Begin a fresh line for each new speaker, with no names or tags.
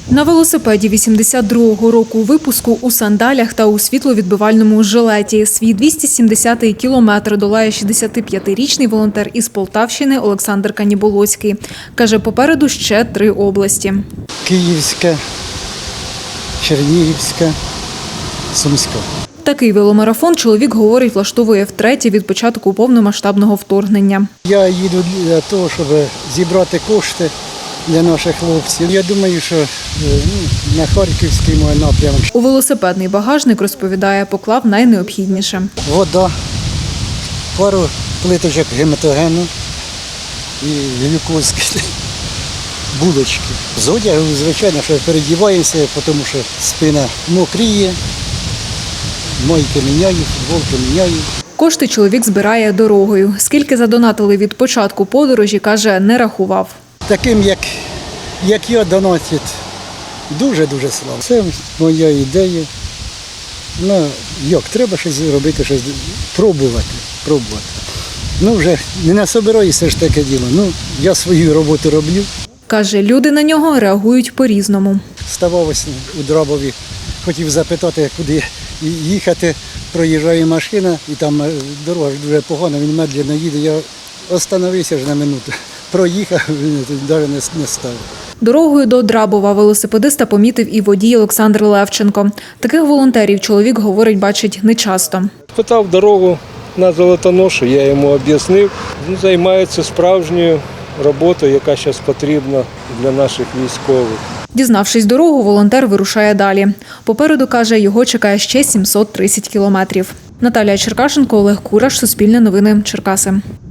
На велосипеді 82-го року випуску, у сандалях та у світловідбивальному жилеті. Свій 270-й кілометр долає 65-річний волонтер із Полтавщини Олександр Каніболоцький. Каже, попереду ще 3 області.
Київська, Чернігівська, Сумська.
Такий веломарафон, чоловік говорить, влаштовує втретє від початку повномасштабного вторгнення.
Я їду для того, щоб зібрати кошти для наших хлопців. Я думаю, що на Харківський мій напрямок.
У велосипедний багажник, розповідає, поклав найнеобхідніше.
Вода, пару плиточок гематогену і глюкозки, булочки. З одягу, звичайно, що передіваємося, тому що спина мокріє, майки міняю, футболки міняю.
Кошти чоловік збирає дорогою. Скільки задонатили від початку подорожі, каже, не рахував.
Таким, як я, донатять дуже-дуже слава. Це моя ідея. Ну, як, треба щось робити, щось пробувати. Ну, вже не насобираюся ж таке діло. Ну, я свою роботу роблю.
Каже, люди на нього реагують по-різному.
Ставалося у Драбові, хотів запитати, куди їхати. Проїжджає машина, і там дорога дуже погана, він медленно їде. Я остановився ж на минуту. Проїхав, він навіть не став.
Дорогою до Драбова велосипедиста помітив і водій Олександр Левченко. Таких волонтерів чоловік, говорить, бачить нечасто.
Питав дорогу на Золотоношу, я йому об'яснив. Він займається справжньою роботою, яка зараз потрібна для наших військових.
Дізнавшись дорогу, волонтер вирушає далі. Попереду, каже, його чекає ще 730 кілометрів. Наталія Черкашенко, Олег Кураш, Суспільне новини, Черкаси.